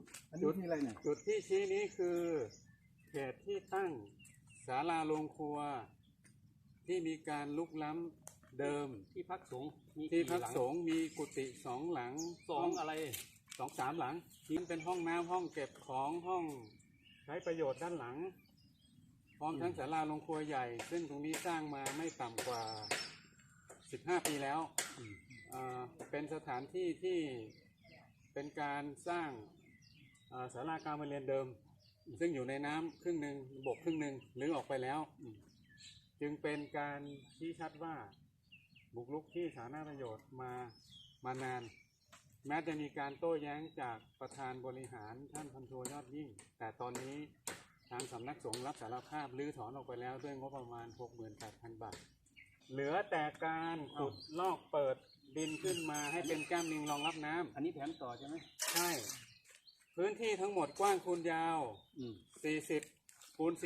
จุดที่อะไรเนี่ยจุดที่ชี้นี้คือเขตที่ตั้งศาลาโรงครัวที่มีการลุกล้ำเดิมที่พักสงฆ์ที่พักสงฆ์มีกุฏิ2 หลังอะไร 2-3 หลังที่เป็นห้องน้ำห้องเก็บของห้องใช้ประโยชน์ด้านหลังพร้อมทั้งศาลาโรงครัวใหญ่ซึ่งตรงนี้สร้างมาไม่ต่ำกว่า15 ปีแล้วเป็นสถานที่ที่เป็นการสร้างศาลาการประเรียนเดิมซึ่งอยู่ในน้ำครึ่งหนึ่งบกครึ่งหนึ่งหรือออกไปแล้วจึงเป็นการชี้ชัดว่าบุกรุกที่สาธารณประโยชน์มานานแม้จะมีการโต้แย้งจากประธานบริหารท่านพันโทยอดยิ่งแต่ตอนนี้ทางสำนักสงฆ์รับสารภาพรื้อถอนออกไปแล้วด้วยงบประมาณ 68,000 บาทเหลือแต่การขุดลอกเปิดดินขึ้นมาให้เป็นแก้มลิงรองรับน้ำอันนี้แผนต่อใช่ไหมใช่พื้นที่ทั้งหมดกว้างคูณยาว40 คูณ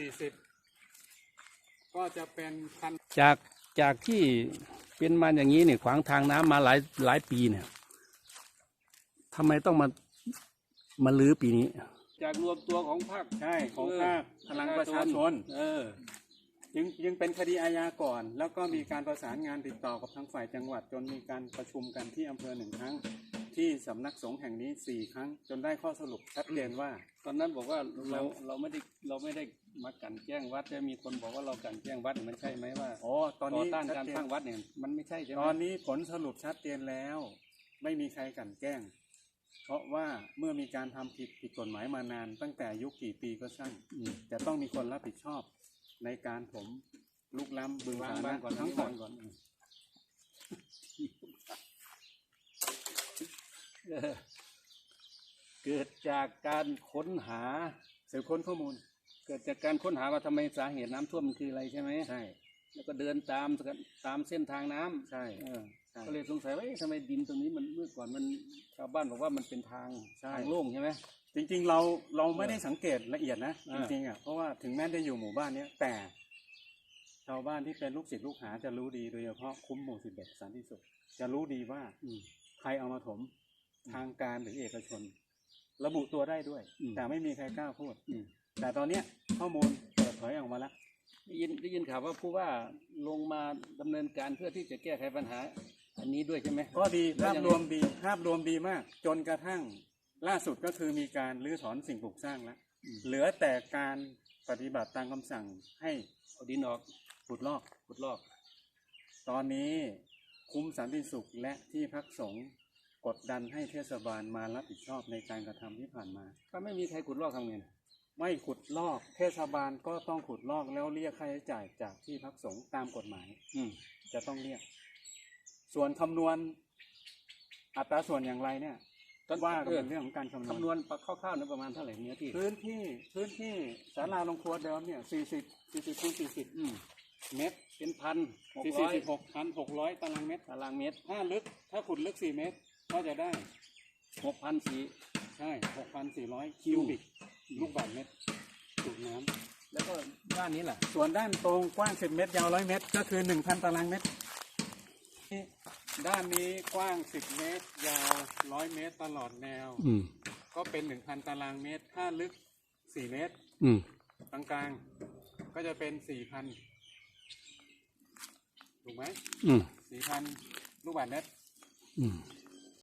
40ก็จะเป็นพันจากที่เป็นมาอย่างนี้เนี่ยขวางทางน้ำมาหลายปีเนี่ยทำไมต้องมาลื้อปีนี้จากรวมตัวของภาคใช่ของภาคพลังประชาชนยังเป็นคดีอาญาก่อนแล้วก็มีการประสานงานติดต่อกับทางฝ่ายจังหวัดจนมีการประชุมกันที่อำเภอ1 ครั้งที่สำนักสงฆ์แห่งนี้4 ครั้งจนได้ข้อสรุปชัดเจนว่าตอนนั้นบอกว่าเราไม่ได้มากันแกล้งวัดจะมีคนบอกว่าเรากันแกล้งวัดมันใช่ไหมว่าตอนนี้ต้านการสร้างวัดเนี่ยมันไม่ใช่ใช่ไหมตอนนี้ผลสรุปชัดเจนแล้วไม่มีใครกันแกล้งเพราะว่าเมื่อมีการทำผิดกฎหมายมานานตั้งแต่ยุคกี่ปีก็ช่างจะต้องมีคนรับผิดชอบในการผมลุกล้ำบึงสาธารณะทั้งหมดเกิดจากการค้นหาสืบค้นข้อมูลเกิดจากการค้นหาว่าทำไมสาเหตุน้ำท่วมมันคืออะไรใช่ไหมใช่แล้วก็เดินตามเส้นทางน้ำใช่ก็เลยสงสัยว่าทำไมดินตรงนี้มันเมื่อก่อนมันชาวบ้านบอกว่ามันเป็นทางโล่งใช่ไหมจริงๆเราไม่ได้สังเกตละเอียดนะจริงๆเพราะว่าถึงแม้จะอยู่หมู่บ้านนี้แต่ชาวบ้านที่เป็นลูกศิษย์ลูกหาจะรู้ดีโดยเฉพาะคุ้มหมู่11สันติสุขจะรู้ดีว่าใครเอามาถมทางการหรือเอกชนระบุตัวได้ด้วยแต่ไม่มีใครกล้าพูดแต่ตอนนี้ข้อมูลเปิดเผยออกมาแล้วได้ยินข่าวว่าผู้ว่าลงมาดำเนินการเพื่อที่จะแก้ไขปัญหาอันนี้ด้วยใช่ไหมก็ดีภาพรวมดีมากจนกระทั่งล่าสุดก็คือมีการรื้อถอนสิ่งปลูกสร้างแล้วเหลือแต่การปฏิบัติตามคำสั่งให้เอาดินออกขุดลอกตอนนี้คุ้มสันติสุขและที่พักสงฆ์กดดันให้เทศบาลมารับผิดชอบในการกระทำที่ผ่านมาถ้าไม่มีใครขุดลอกทำไงไม่ขุดลอกเทศบาลก็ต้องขุดลอกแล้วเรียกค่าใช้จ่ายจากที่พักสงฆ์ตามกฎหมายจะต้องเรียกส่วนคำนวณอัตราส่วนอย่างไรเนี่ยว่าเป็นเรื่องของการคำนวณคร่าวๆนั้นประมาณเท่าไหร่เนื้อที่พื้นที่ศาลาโรงครัวเดิมเนี่ย40 คูณ 40เมตรเป็น 1,600 ตารางเมตรถ้าขุดลึก4 เมตรก็จะได้ 6,400 ใช่ 6,400 คิวบิกลูกบาศก์เมตรสูบน้ำแล้วก็ด้านนี้แหละส่วนด้านตรงกว้าง10 เมตรยาว100 เมตรก็คือ 1,000 ตารางเมตรด้านนี้กว้าง10 เมตรยาว100 เมตรตลอดแนวก็เป็น 1,000 ตารางเมตรถ้าลึก4 เมตรกลางๆก็จะเป็น 4,000 ถูกไหม4,000 ลูกบาศก์เมตร